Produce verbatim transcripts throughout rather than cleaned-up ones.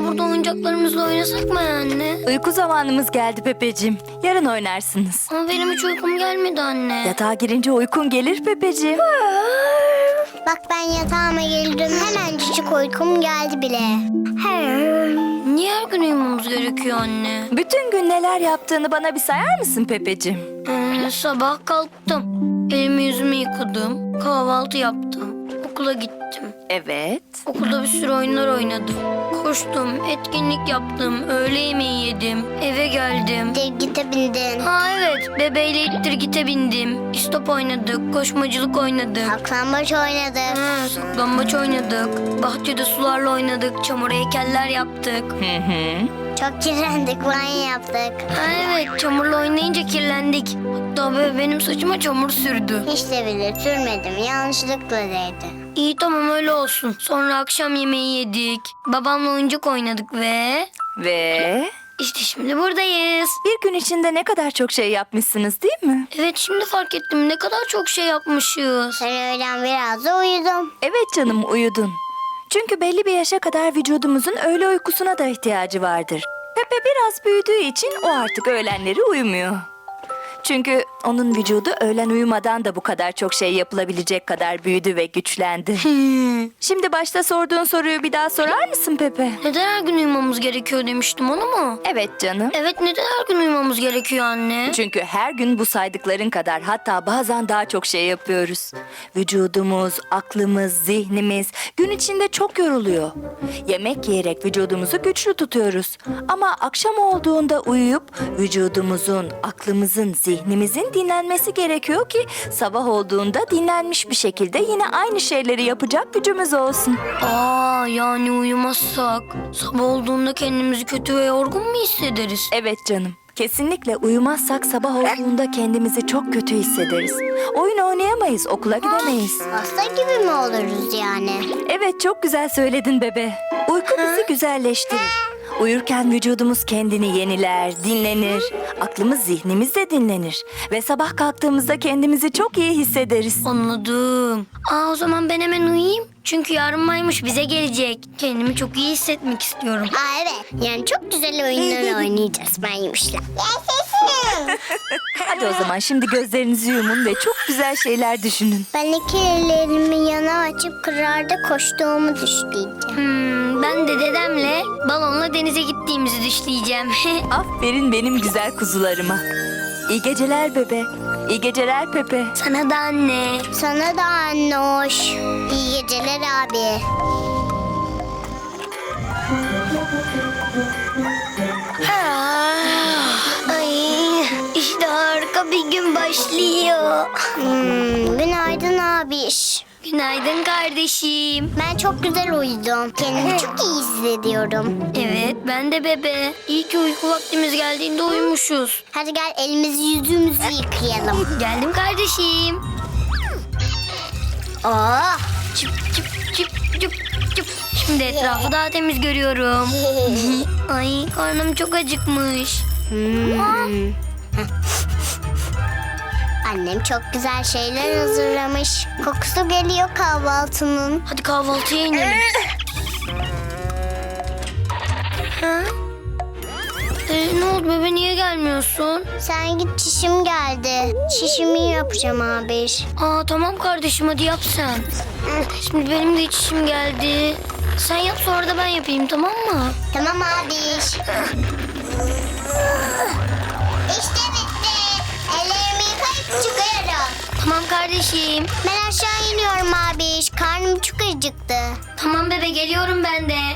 burada oyuncaklarımızla oynasak mı anne? Uyku zamanımız geldi Pepeciğim. Yarın oynarsınız. Ama benim hiç uykum gelmedi anne. Yatağa girince uykun gelir Pepeciğim. Bak ben yatağıma girdim. Hemencik uykum geldi bile. Niye her gün uyumamız gerekiyor anne? Bütün gün neler yaptığını bana bir sayar mısın Pepeciğim? Ee, sabah kalktım. Elimi yüzümü yıkadım. Kahvaltı yaptım. Okula gittim. Evet. Okulda bir sürü oyunlar oynadım. Koştum, etkinlik yaptım, öğle yemeği yedim, eve geldim. Gite bindin. Ha evet, bebeğiyle ittir gite bindim. İstop oynadık, koşmacılık oynadık. Saklambaç oynadık. Ha, saklambaç oynadık. Bahçede sularla oynadık, çamur heykeller yaptık. Hı hı. Çok kirlendik, banyo yaptık. Ha evet, çamurla oynayınca kirlendik. Hatta bebe benim saçıma çamur sürdü. Hiç de bile sürmedim, yanlışlıkla değdi. İyi tamam öyle olsun. Sonra akşam yemeği yedik. Babamla oyuncak oynadık ve... Ve işte şimdi buradayız. bir gün içinde ne kadar çok şey yapmışsınız değil mi? Evet şimdi fark ettim ne kadar çok şey yapmışız. Ben öğlen biraz da uyudum. Evet canım uyudun. Çünkü belli bir yaşa kadar vücudumuzun öğle uykusuna da ihtiyacı vardır. Pepe biraz büyüdüğü için o artık öğlenleri uyumuyor. Çünkü onun vücudu öğlen uyumadan da bu kadar çok şey yapılabilecek kadar büyüdü ve güçlendi. Şimdi başta sorduğun soruyu bir daha sorar mısın Pepe? Neden her gün uyumamız gerekiyor demiştim onu mu? Evet canım. Evet neden her gün uyumamız gerekiyor anne? Çünkü her gün bu saydıkların kadar hatta bazen daha çok şey yapıyoruz. Vücudumuz, aklımız, zihnimiz gün içinde çok yoruluyor. Yemek yiyerek vücudumuzu güçlü tutuyoruz. Ama akşam olduğunda uyuyup vücudumuzun, aklımızın, zihnimizin dinlenmesi gerekiyor ki sabah olduğunda dinlenmiş bir şekilde yine aynı şeyleri yapacak gücümüz olsun. Aa yani uyumazsak sabah olduğunda kendimizi kötü ve yorgun mu hissederiz? Evet canım. Kesinlikle uyumazsak sabah olduğunda kendimizi çok kötü hissederiz. Oyun oynayamayız, okula gidemeyiz. Hasta gibi mi oluruz yani? Evet çok güzel söyledin bebe. Uyku bizi güzelleştirir. Uyurken vücudumuz kendini yeniler, dinlenir. Aklımız, zihnimiz de dinlenir. Ve sabah kalktığımızda kendimizi çok iyi hissederiz. Anladım. Aa o zaman ben hemen uyuyayım. Çünkü yarın maymuş bize gelecek. Kendimi çok iyi hissetmek istiyorum. Aa evet. Yani çok güzel oyunlar oynayacağız ben yemişler. Yaşasın. Hadi o zaman şimdi gözlerinizi yumun ve çok güzel şeyler düşünün. Ben iki ellerimi yana açıp kırarda koştuğumu düşleyeceğim. Hmm, ben de dedemle balonla denize gittiğimizi düşleyeceğim. Aferin benim güzel kuzularıma. İyi geceler bebe. İyi geceler Pepe. Sana da anne. Sana da anne hoş. İyi geceler abi. Ah, ay, işte harika bir gün başlıyor. Hmm, günaydın abiş. Günaydın kardeşim. Ben çok güzel uyudum. Kendimi çok iyi hissediyorum. Evet ben de bebe. İyi ki uyku vaktimiz geldiğinde uyumuşuz. Hadi gel elimizi yüzümüzü yıkayalım. Geldim kardeşim. Oh. Çıp çıp çıp çıp çıp. Şimdi etrafı daha temiz görüyorum. Ay karnım çok acıkmış. Hmm. Annem çok güzel şeyler hazırlamış. Kokusu geliyor kahvaltının. Hadi kahvaltıya inelim. Ha? Ee, ne oldu bebe niye gelmiyorsun? Sen git çişim geldi. Çişimi yapacağım abiş. Aa tamam kardeşim hadi yap sen. Şimdi benim de içişim geldi. Sen yap sonra da ben yapayım tamam mı? Tamam abiş. İşte bitti. Ellerimi yıkayıp çıkıyorum. Tamam kardeşim. Ben aşağı iniyorum abiş. Karnım çok acıktı. Tamam bebe geliyorum ben de.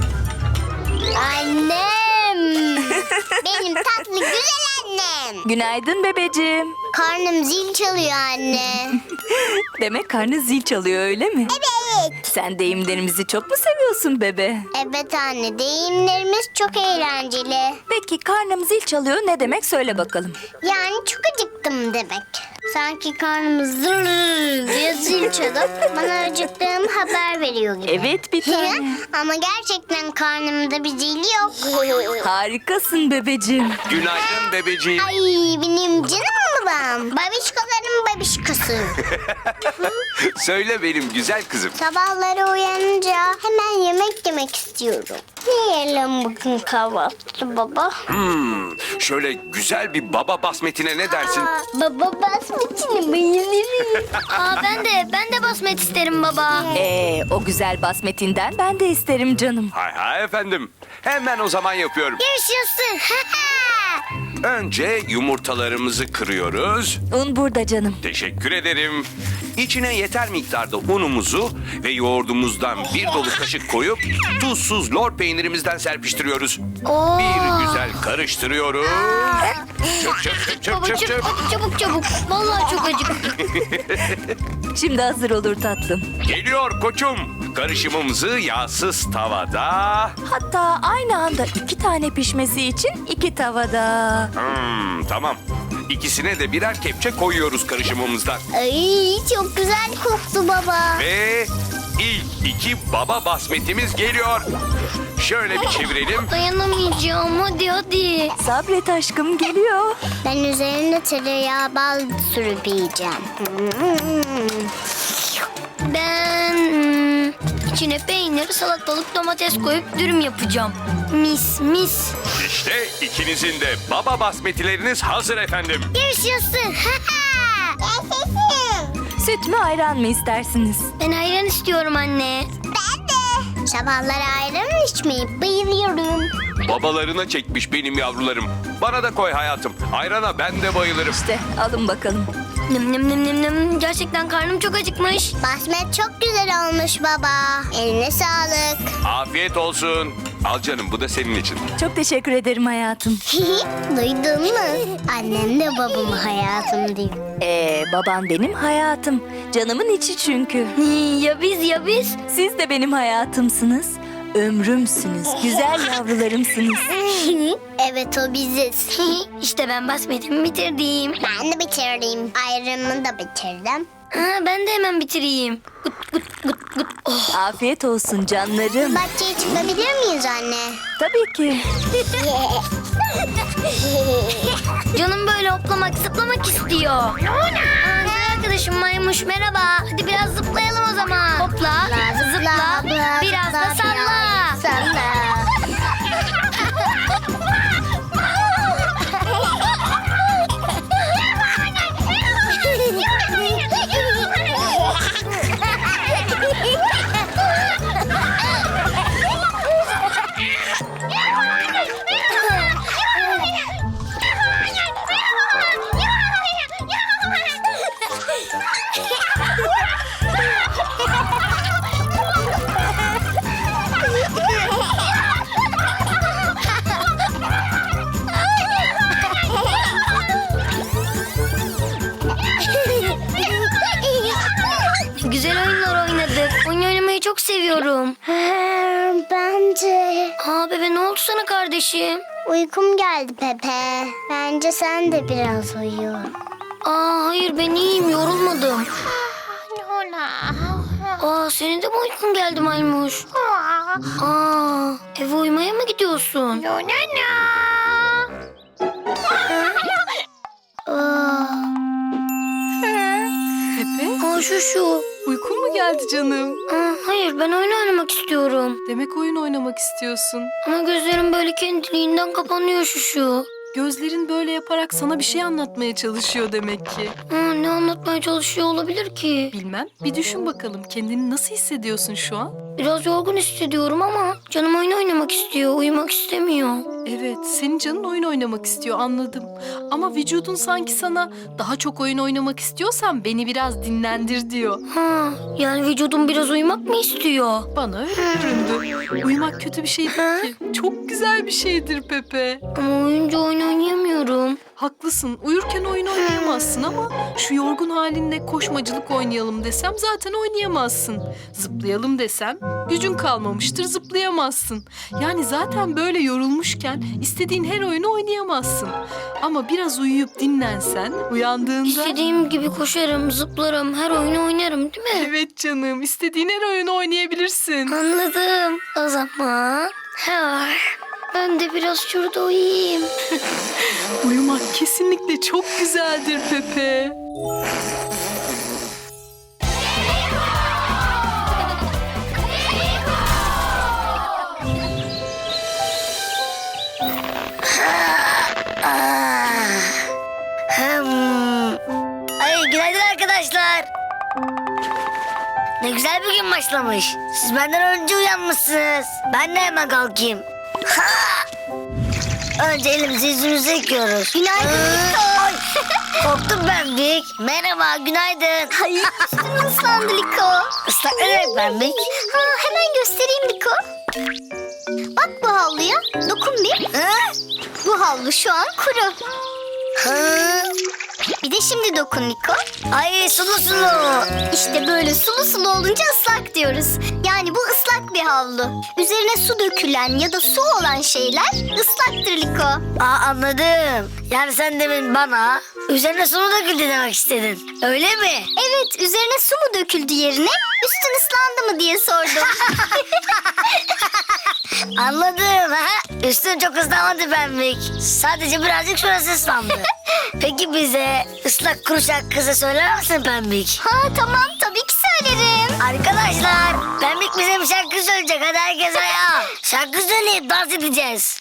Annem. Benim tatlı güzel annem. Günaydın bebeciğim. Karnım zil çalıyor anne. Demek karnı zil çalıyor öyle mi? Evet. Sen deyimlerimizi çok mu seviyorsun bebe? Evet anne, deyimlerimiz çok eğlenceli. Peki karnım zil çalıyor ne demek söyle bakalım. Yani çok acıktım demek. Sanki karnımız zırr diye zil çalıp bana acıktığım haber veriyor gibi. Evet bir tane. Ama gerçekten karnımda bir zil yok. Harikasın bebeciğim. Günaydın bebeciğim. Ay benim canım babam. Babişkoların babişkosu. mısın? Söyle benim güzel kızım. Sabahları uyanınca hemen yemek yemek istiyorum. Ne yiyelim bugün kahvaltı baba? Hmm, şöyle güzel bir baba basmetine ne dersin? Aa, baba basmetini bayılırım. Aa, ben de ben de basmet isterim baba. Ee, o güzel basmetinden ben de isterim canım. Hay hay efendim. Hemen o zaman yapıyorum. Yaşasın. Önce yumurtalarımızı kırıyoruz. Un burada canım. Teşekkür ederim. İçine yeter miktarda unumuzu ve yoğurdumuzdan bir dolu kaşık koyup tuzsuz lor peynirimizden serpiştiriyoruz. Oo. Bir güzel karıştırıyoruz. Çöp çöp çöp Baba çöp çöp çöp. çabuk çabuk çabuk. Vallahi çok acıktım. Şimdi hazır olur tatlım. Geliyor koçum. Karışımımızı yağsız tavada. Hatta aynı anda iki tane pişmesi için iki tavada. Hmm, tamam. İkisine de birer kepçe koyuyoruz karışımımızdan. Ay çok güzel koktu baba. Ve ilk iki baba basmetimiz geliyor. Şöyle bir çevirelim. Dayanamayacağım, hadi hadi. Sabret aşkım, geliyor. Ben üzerine tereyağı bal sürüp yiyeceğim. Ben hmm, içine peynir, salatalık, domates koyup dürüm yapacağım. Mis mis. İşte ikinizin de baba basmetileriniz hazır efendim. Yaşasın. Yaşasın. Süt mü ayran mı istersiniz? Ben ayran istiyorum anne. Ben de. Sabahları ayran içmeyi bayılıyorum. Babalarına çekmiş benim yavrularım. Bana da koy hayatım. Ayrana ben de bayılırım. İşte alın bakalım. Nım nım nım nım nım. Gerçekten karnım çok acıkmış. Basmet çok güzel olmuş baba. Eline sağlık. Afiyet olsun. Al canım, bu da senin için. Çok teşekkür ederim hayatım. Duydun mu? Annem de babamı hayatım diyor. Ee, baban benim hayatım. Canımın içi çünkü. Ya biz ya biz. Siz de benim hayatımsınız. Ömrümsünüz. Güzel yavrularımsınız. Evet o biziz. İşte ben basmetimi bitirdim. Ben de bitirdim. Ayranımı da bitirdim. Ha, ben de hemen bitireyim. Gut gut gut gut. Oh. Afiyet olsun canlarım. Bahçeye çıkabilir miyiz anne? Tabii ki. Canım böyle hoplamak zıplamak istiyor. Aa, güzel arkadaşım Maymuş merhaba. Hadi biraz zıplayalım o zaman. Hopla, zıpla, biraz da salla. Salla. Güzel oyunlar oynadık. Oyun oynamayı çok seviyorum. Bence Aa bebe ne oldu sana kardeşim? uykum geldi Pepe. Bence sen de biraz uyu. Aa hayır ben iyiyim yorulmadım. Aa senin de mi uykun geldi Maymuş? Aa eve uyumaya mı gidiyorsun? Aa. Pepe, Aa şu şu. uykun mu geldi canım? Aa, hayır ben oyun oynamak istiyorum. Demek oyun oynamak istiyorsun. Ama gözlerim böyle kendiliğinden kapanıyor şu şu. Gözlerin böyle yaparak sana bir şey anlatmaya çalışıyor demek ki. Aa, ne anlatmaya çalışıyor olabilir ki? Bilmem, bir düşün bakalım kendini nasıl hissediyorsun şu an? Biraz yorgun hissediyorum ama canım oyun oynamak istiyor, uyumak istemiyor. Evet, senin canın oyun oynamak istiyor anladım. Ama vücudun sanki sana daha çok oyun oynamak istiyorsan beni biraz dinlendir diyor. Ha, yani vücudum biraz uyumak mı istiyor? Bana öyle göründü. Uyumak kötü bir şey değil ki. Çok güzel bir şeydir Pepe. Ama uyunca oyun oynayamıyorum. Haklısın. Uyurken oyun oynayamazsın ama şu yorgun halinle koşmacılık oynayalım desem zaten oynayamazsın. Zıplayalım desem gücün kalmamıştır zıplayamazsın. Yani zaten böyle yorulmuşken istediğin her oyunu oynayamazsın. Ama biraz uyuyup dinlensen uyandığında... İstediğim gibi koşarım, zıplarım, her oyunu oynarım değil mi? Evet canım, istediğin her oyunu oynayabilirsin. Anladım. O zaman... Ha, ben de biraz şurada uyuyayım. Uyumak kesinlikle çok güzeldir Pepe. günaydın arkadaşlar. Ne güzel bir gün başlamış. Siz benden önce uyanmışsınız. Ben de hemen kalkayım. Ha! Önce elimizi yüzümüzü yıkıyoruz. Günaydın Liko. Ay, korktum Pembik. Merhaba, günaydın. Ay, üstün ıslandı Liko. Islak ne demek Pembik? Ha, hemen göstereyim Liko. Bak bu havluya. Dokun bir. Ha? Bu havlu şu an kuru. Ha? Bir de şimdi dokun Liko. Ay sulu sulu. İşte böyle sulu sulu olunca ıslak diyoruz. Yani bu ıslak bir havlu. Üzerine su dökülen ya da su olan şeyler ıslaktır Liko. Aa, anladım. Yani sen demin bana üzerine sulu döküldü demek istedin. Öyle mi? Evet, üzerine su mu döküldü yerine üstün ıslandı mı diye sordum. Anladım. Ha? Üstün çok ıslanmadı Pembik. Sadece birazcık şurası ıslandı. Peki bize ıslak kuru şarkısı söyler misin Pembik? Ha tamam, tabii ki söylerim. Arkadaşlar Pembik bize bir şarkı söyleyecek. Hadi herkes ayağa. Şarkı söyleyip dans edeceğiz.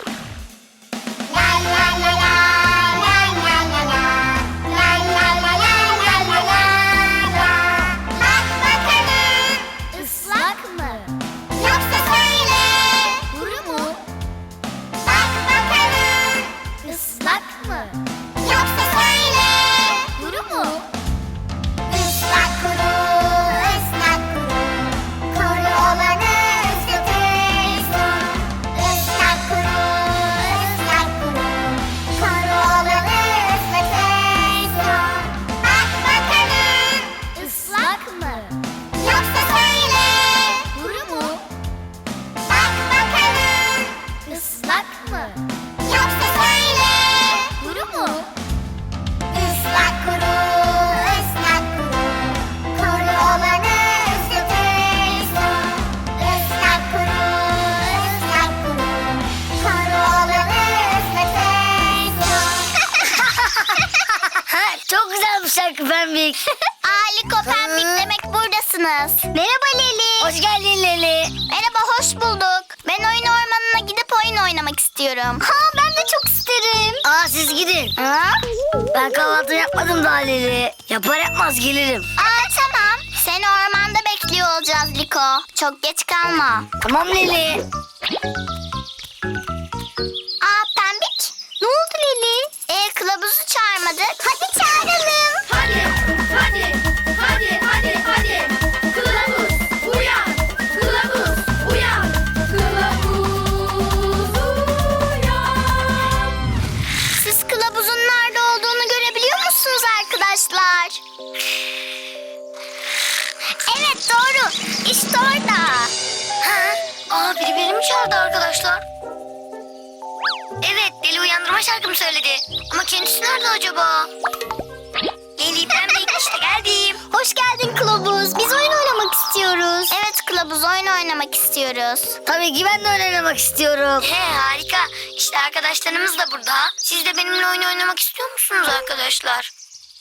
Islak mı? Yoksa söyle. Kuru mu? Bak bakalım. Islak mı? Yoksa söyle. Kuru mu? Islak kuru, ıslak kuru. Kuru olanı ıslatırsın. Islak kuru, ıslak kuru. Kuru olanı ıslatırsın. Bak bakalım. Islak mı? Yoksa söyle. Kuru mu? Bak bakalım. Islak mı? Yoksa söyle. Kuru mu? Islak kuru, ıslak kuru. Kuru olanı ıslatırsın. Islak kuru, ıslak kuru. Kuru olanı ıslatırsın. Ha, çok güzel bir şarkı Pembik. Aa, Liko, Pembik demek buradasınız. Merhaba Leli. Hoş geldin Leli. Merhaba, hoş bulduk. Ben oyun ormanına gidip oyun oynamak istiyorum. Ha, ben de çok isterim. Aa, siz gidin. Ha? Ben kahvaltı yapmadım daha Leli. Yapar yapmaz gelirim. Aa, tamam. Seni ormanda bekliyor olacağız Liko. Çok geç kalma. Tamam Leli. Aa, Pembik. Ne oldu Leli? Ee, kılavuzu çağırmadık. Hadi çağıralım. Hadi, hadi, hadi, hadi, hadi. Kılavuz uyan, kılavuz uyan, kılavuz uyan. Siz kılavuzun nerede olduğunu görebiliyor musunuz arkadaşlar? Evet, doğru. İşte orada. Ha? Aa, biri beni mi çağırdı arkadaşlar? Evet, Leli uyandırma şarkımı söyledi. Ama kendisi nerede acaba? Leli, Pembik, işte geldim. Hoş geldin kılavuz. Biz oyun oynamak istiyoruz. Evet kılavuz, oyun oynamak istiyoruz. Tabii ki ben de oynamak istiyorum. He, harika. İşte arkadaşlarımız da burada. Siz de benimle oyun oynamak istiyor musunuz arkadaşlar?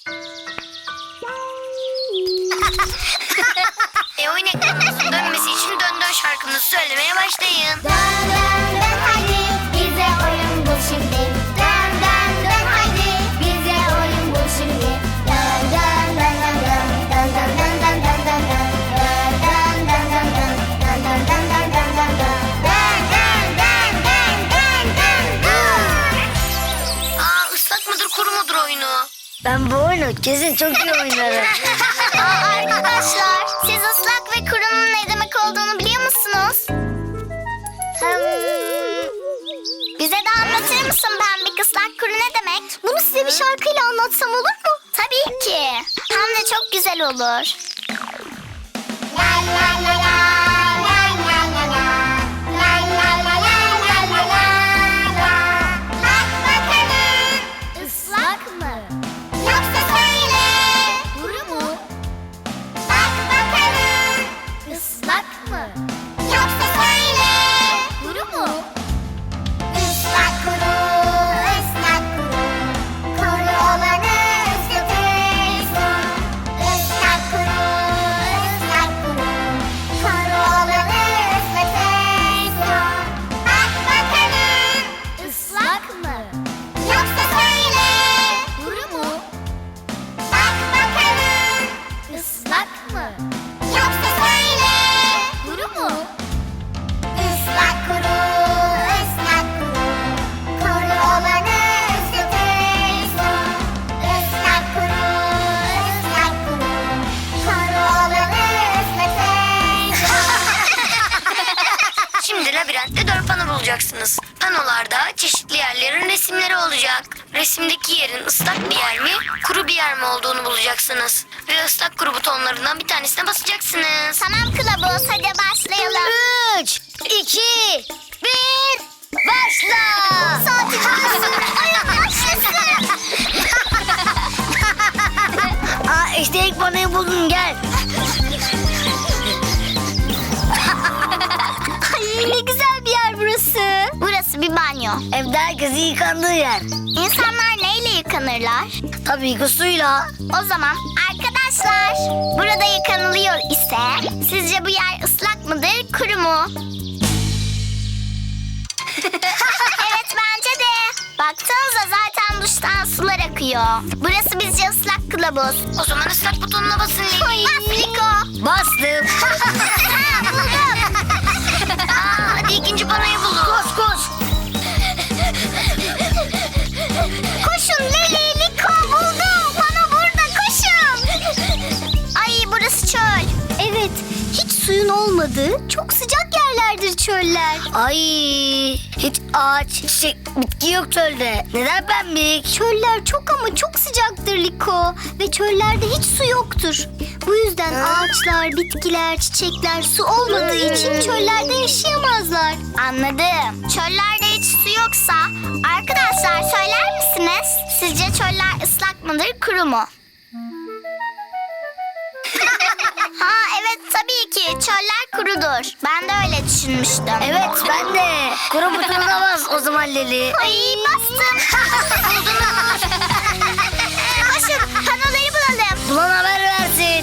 e oyun ekranınızın dönmesi için dön dön şarkımızı söylemeye başlayın. Dön dön dön haydi, bize oyun bul şimdi. Dön dön dön haydi, bize oyun bul şimdi. Dön dön dön dön dön, dön dön dön dön dön dön dön. Dön dön dön dön dön, dön dön dön dön dön dön dön. Dön dön dön dön dön dön dön. Aa, ıslak mıdır kuru mudur oyunu? Ben bu oyunu kesin çok iyi oynarım. Aa, arkadaşlar, siz ıslak ve kurunun ne demek olduğunu biliyor musunuz? Hmm. Bize de anlatır mısın Pembik, ıslak kuru ne demek? Bunu size bir şarkıyla anlatsam olur mu? Tabii ki. Hem de çok güzel olur. La la la la, la la la la, la la la la, la la la la. Bak bakalım. Islak mı? Yoksa söyle. Kuru mu? Bak bakalım. Islak mı? Yoksa söyle. Kuru mu? Islak kuru, ıslak kuru. Kuru olanı ıslatırsın. Islak kuru, ıslak kuru. mı? Yoksa söyle. Kuru mu? Islak kuru, ıslak kuru. Kuru olanı ıslatırsın. Islak kuru, ıslak kuru. Kuru olanı ıslatırsın. Şimdi labirentte dört pano bulacaksınız. Panolarda çeşitli yerlerin resimleri olacak. Resimdeki yerin ıslak bir yer mi, kuru bir yer mi olduğunu bulacaksınız. Ve ıslak kuru butonlarından bir tanesine basacaksınız. Tamam kılavuz, hadi başlayalım. Üç, iki, bir, başla! Saati başlasın. Oyun başlasın. Aa, işte ilk panoyu buldum, gel. Ay ne güzel bir yer burası. Burası bir banyo. Evde herkesin yıkandığı yer. İnsanlar neyle yıkanırlar? Tabii ki suyla. O zaman arkadaşlar, burada yıkanılıyor ise sizce bu yer ıslak mıdır, kuru mu? Evet bence de. Baksanıza zaten duştan sular akıyor. Burası bizce ıslak kılavuz. O zaman ıslak butonuna basın Leli. Bas Liko. Bastım. Ha, buldum. Aa, hadi ikinci panoyu bulun. Koş koş. Koşun Leli, Liko buldum. Bana burada koşun. Ay burası çöl. Evet, hiç suyun olmadığı çok sıcak yerlerdir çöller. Ay, hiç ağaç, çiçek, bitki yok çölde. Neden pembik? Çöller çok ama çok sıcaktır Liko. Ve çöllerde hiç su yoktur. Bu yüzden ağaçlar, bitkiler, çiçekler su olmadığı için çöllerde yaşayamazlar. Anladım. Çöllerde hiç su yoksa arkadaşlar söyler misiniz? Sizce çöller ıslak mıdır, kuru mu? Ha evet tabii ki çöller kurudur. Ben de öyle düşünmüştüm. Evet, ben de. Kuru butonuna bas o zaman Leli. Ay bastım. Buldunuz. Koşun panoları bulalım. Bulan haber versin.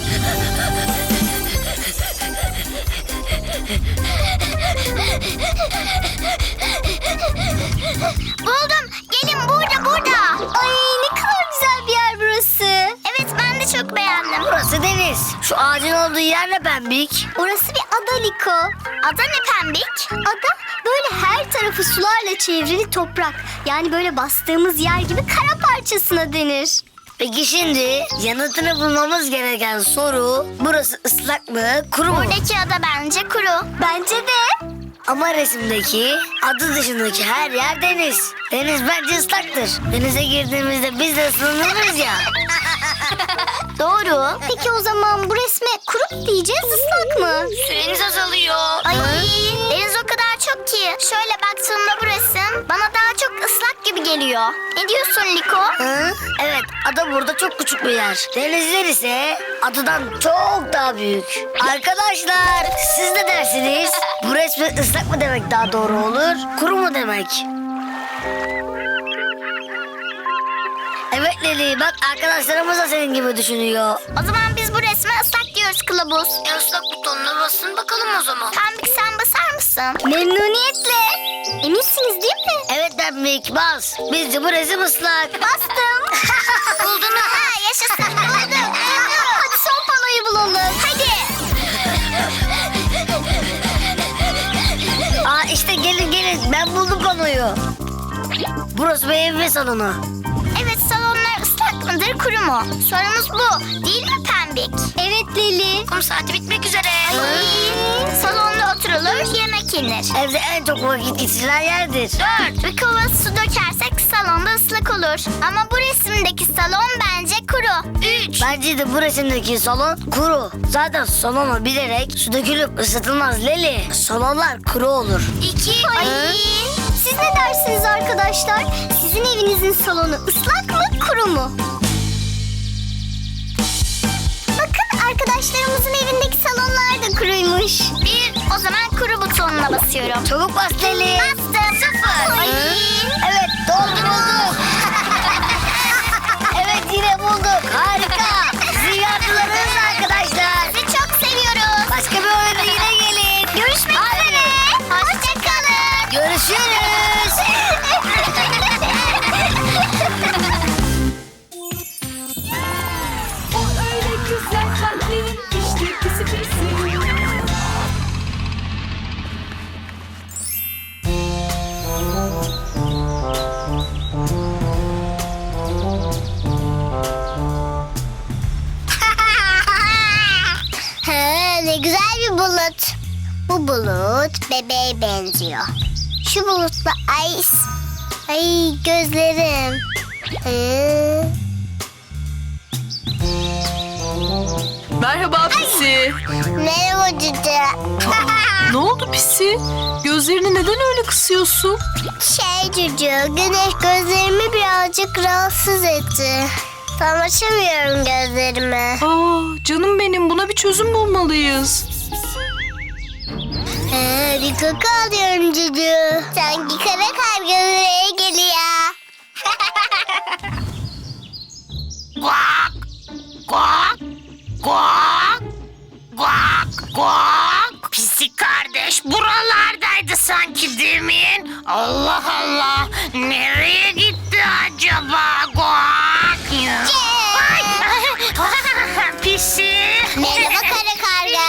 Buldum. Gelin burada burada. Ay ne kadar güzel bir yer burası. Evet ben de çok beğendim. Burası deniz. Şu ağacın olduğu yer ne pembik? Orası bir ada Liko. Ada ne pembik? Ada böyle her tarafı sularla çevrili toprak. Yani böyle bastığımız yer gibi kara parçasına denir. Peki şimdi yanıtını bulmamız gereken soru, burası ıslak mı, kuru mu? Buradaki ada bence kuru. Bence de. Ama resimdeki adı dışındaki her yer deniz. Deniz bence ıslaktır. Denize girdiğimizde biz de ıslanırız ya. Doğru. Peki o zaman bu resme kuru mu diyeceğiz, ıslak mı? Süreniz azalıyor. Ay deniz o kadar çok ki. Şöyle baktığımda bu resim bana daha çok ıslak gibi geliyor. Ne diyorsun Liko? Hı? Evet, ada burada çok küçük bir yer. Denizler ise adadan çok daha büyük. Arkadaşlar, siz ne dersiniz? Bu resme ıslak mı demek daha doğru olur, kuru mu demek? Evet Leli, bak arkadaşlarımız da senin gibi düşünüyor. O zaman biz bu resme ıslak diyoruz kılavuz. E ıslak butonuna basın bakalım o zaman. Pembik sen basar mısın? Memnuniyetle. Eminsiniz değil mi? Evet Pembik, bas. Bizce bu resim ıslak. Bastım. Buldunuz. Ha yaşasın. Bulduk. Bulduk. Hadi son panoyu bulalım. Hadi. Aa işte gelin gelin, ben buldum konuyu. Burası bir ev ve salonu. Evet salonlar ıslak mıdır, kuru mu? Sorumuz bu. Değil mi Pembik? Evet Leli. Kum saati bitmek üzere. Ay, salonda oturulur, yemek yenir. Evde en çok vakit geçirilen yerdir. Dört. Bir kova su dökersek salonda ıslak olur. Ama bu resimdeki salon bence kuru. Üç. Bence de bu resimdeki salon kuru. Zaten salonu bilerek su dökülüp ısıtılmaz Leli. Salonlar kuru olur. İki. Ay. Siz ne dersiniz arkadaşlar? Sizin evinizin salonu ıslak mı, kuru mu? Bakın arkadaşlarımızın evindeki salonlar da kuruymuş. Bir. O zaman kuru butonuna basıyorum. Çabuk bas Leli. Bastım. Sıfır. Ay. Evet doldu bulduk. Evet yine bulduk. Harika. Sizin yardımlarınız arkadaşlar. Sizi çok seviyoruz. Başka bir oyunda yine gelin. Görüşmek üzere. Hoşçakalın. Görüşürüz. O öyle güzel kalplerin işte bulut. Bu bulut bebeğe benziyor. Şu bulutla ay ay gözlerim. Hı. Merhaba Pisi. Merhaba cüce. Ne oldu Pisi? Gözlerini neden öyle kısıyorsun? Şey cüce, güneş gözlerimi birazcık rahatsız etti. Tam açamıyorum gözlerimi. Aa, canım benim, buna bir çözüm bulmalıyız. Ee, bir koku alıyorum cüce. Sanki kara karga buraya geliyor. Guak, guak, guak, guak, guak. Pisi kardeş buralardaydı sanki demin. Allah Allah, nereye gitti acaba? Guak ya. Ay, Pisi. Merhaba kara karga.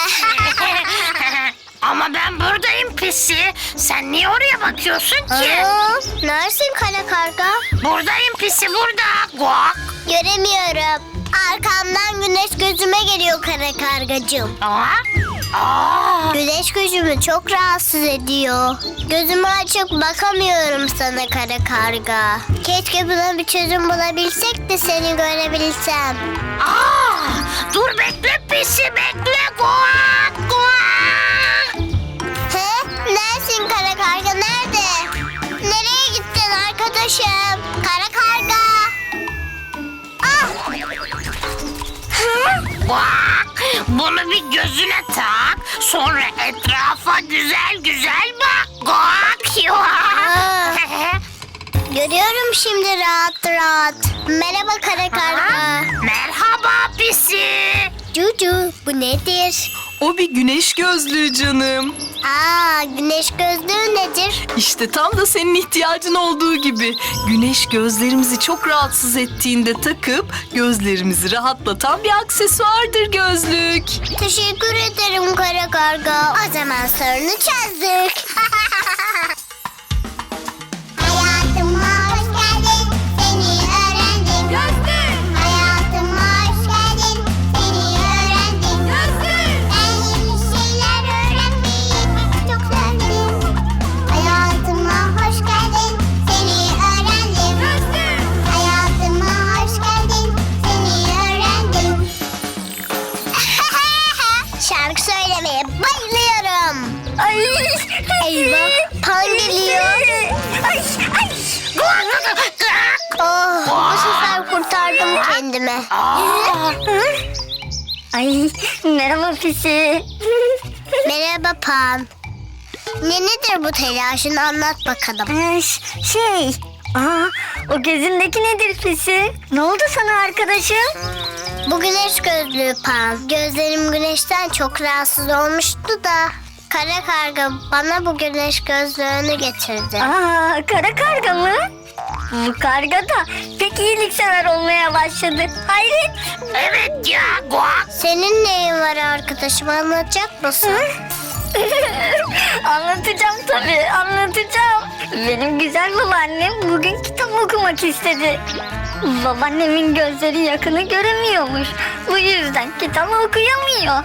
Ama ben buradayım Pisi. Sen niye oraya bakıyorsun ki? Aa, neresin kara karga? Buradayım Pisi, burada. Guak. Göremiyorum. Arkamdan güneş gözüme geliyor kara kargacığım. Aa, aa. Güneş gözümü çok rahatsız ediyor. Gözümü açıp bakamıyorum sana kara karga. Keşke buna bir çözüm bulabilsek de seni görebilsem. Aa, dur bekle Pisi, bekle. Guak, guak. He? Neresin kara karga, nerede? Nereye gittin arkadaşım? Kara karga. Ah! Hı? Guak. Bunu bir gözüne tak. Sonra etrafa güzel güzel bak. Guak. Aa. Görüyorum şimdi rahat rahat. Merhaba kara karga. Merhaba Pisi. Cucu, bu nedir? O bir güneş gözlüğü canım. Aa, güneş gözlüğü nedir? İşte tam da senin ihtiyacın olduğu gibi. Güneş gözlerimizi çok rahatsız ettiğinde takıp gözlerimizi rahatlatan bir aksesuardır gözlük. Teşekkür ederim kara karga. O zaman sorunu çözdük. Hayatıma hoş geldin, seni öğrendim. Gözlük, Hayatıma hoş geldin, seni öğrendim. gözlük. Ben yeni şeyler öğrenmeyi çok sevdim. Hayatıma hoş geldin, seni öğrendim. Gözlük. Hayatıma hoş geldin, seni öğrendim. Şarkı söylemeye bayılıyorum. Ay. Eyvah, Pan geliyor. Ay, ay. Oh, bu sefer kurtardım kendimi. Ay, merhaba Pisi. Merhaba Pan. Ne nedir bu telaşın, anlat bakalım. Ee, ş- şey, aa, o gözündeki nedir Pisi? Ne oldu sana arkadaşım? Bu güneş gözlüğü Pan. Gözlerim güneşten çok rahatsız olmuştu da kara karga bana bu güneş gözlüğünü getirdi. Aa, kara karga mı? Bu karga da pek iyiliksever olmaya başladı. Hayret. Evet ya, guak. Senin neyin var arkadaşım, anlatacak mısın? Anlatacağım tabii, anlatacağım. Benim güzel babaannem bugün kitap okumak istedi. Babaannemin gözleri yakını göremiyormuş. Bu yüzden kitap okuyamıyor.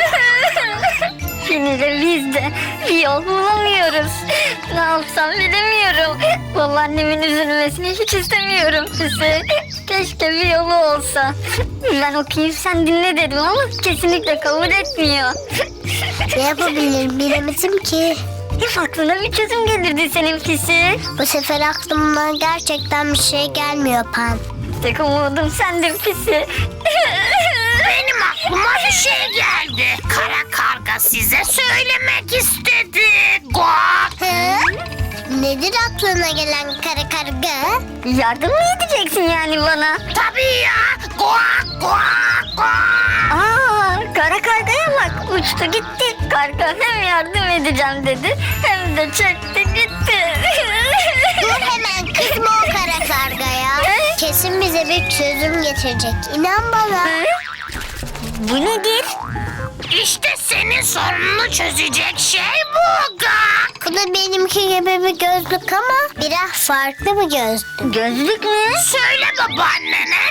Yine de biz de bir yol bulamıyoruz. Ne yapsam bilemiyorum. Babaannemin üzülmesini hiç istemiyorum size. Keşke bir yolu olsa. Ben okuyayım sen dinle dedim ama kesinlikle kabul etmiyor. Ne yapabilirim bilemedim ki. Hep aklına bir çözüm gelirdi senin pisi. Bu sefer aklımdan gerçekten bir şey gelmiyor Pan. Tek umudum sendin pisi. Benim aklıma bir şey geldi. Kara karga size söylemek istedi. Guak. Hı? Nedir aklına gelen kara karga? Yardım mı edeceksin yani bana? Tabii ya. Guak, guak, guak. Aa, kara kargaya bak uçtu gitti. Karga hem yardım edeceğim dedi hem de çekti gitti. Dur hemen, kızma o kara kargaya. Kesin bize bir çözüm getirecek. İnan bana. Bu nedir? İşte senin sorununu çözecek şey bu Guak. Bu da benimki gibi bir gözlük ama biraz farklı bir gözlük. Gözlük mü? Söyle babaannene, tak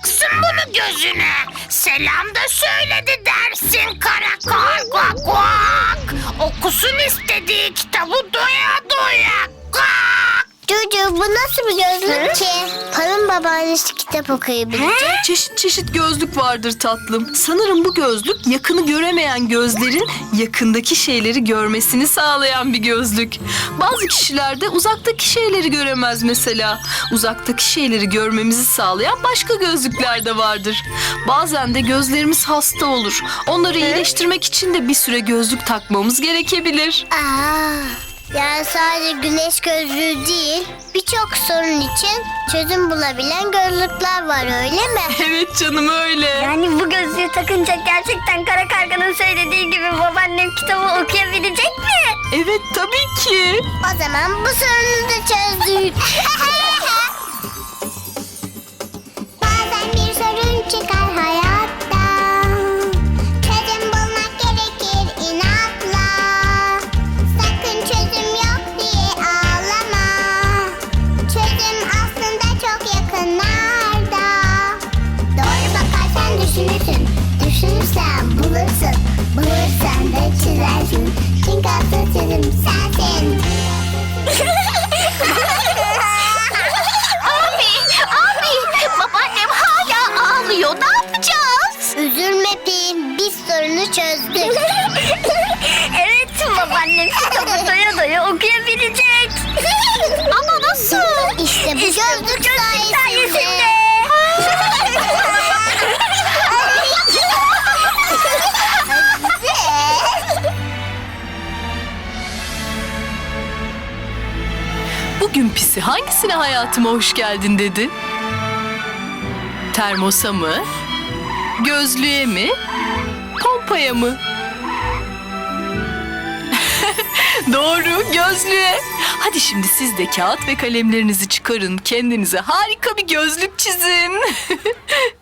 takacaksın bunu gözüne. Selam da söyledi dersin karakol kuak kuak. Okusun istediği kitabı doya doya. Kuak. Cucu bu nasıl bir gözlük ki? Palın babaannesi kitap okuyabilecek. Çeşit çeşit gözlük vardır tatlım. Sanırım bu gözlük yakını göremeyen gözlerin yakındaki şeyleri görmesini sağlayan bir gözlük. Bazı kişiler de uzaktaki şeyleri göremez mesela. Uzaktaki şeyleri görmemizi sağlayan başka gözlükler de vardır. Bazen de gözlerimiz hasta olur. Onları iyileştirmek için de bir süre gözlük takmamız gerekebilir. Aa, yani sadece güneş gözlüğü değil, birçok sorun için çözüm bulabilen gözlükler var öyle mi? Evet canım öyle. Yani bu gözlüğü takınca gerçekten Kara Karga'nın söylediği gibi babaannem kitabı okuyabilecek mi? Evet tabii ki. O zaman bu sorunu da çözdük. Bazen bir sorun çıkar hayatta. Çözüm bulmak gerekir inatla. Sakın çözüm yok diye ağlama. Çözüm aslında çok yakınlarda. Doğru bakarsan düşünürsün. Düşünürsen bulursun. Bulursan da çizersin. Çünkü asıl çözüm sensin. Abi, abi, babaannem hala ağlıyor. Ne yapacağız? Üzülme Pim, biz sorunu çözdük. Evet, babaannem kitabı doya doya okuyabilecek. Ama nasıl? İşte bu gözlük sayesinde. Bugün Pisi hangisine hayatıma hoş geldin dedi? Termosa mı? Gözlüğe mi? Pompaya mı? Doğru, gözlüğe. Hadi şimdi siz de kağıt ve kalemlerinizi çıkarın. Kendinize harika bir gözlük çizin.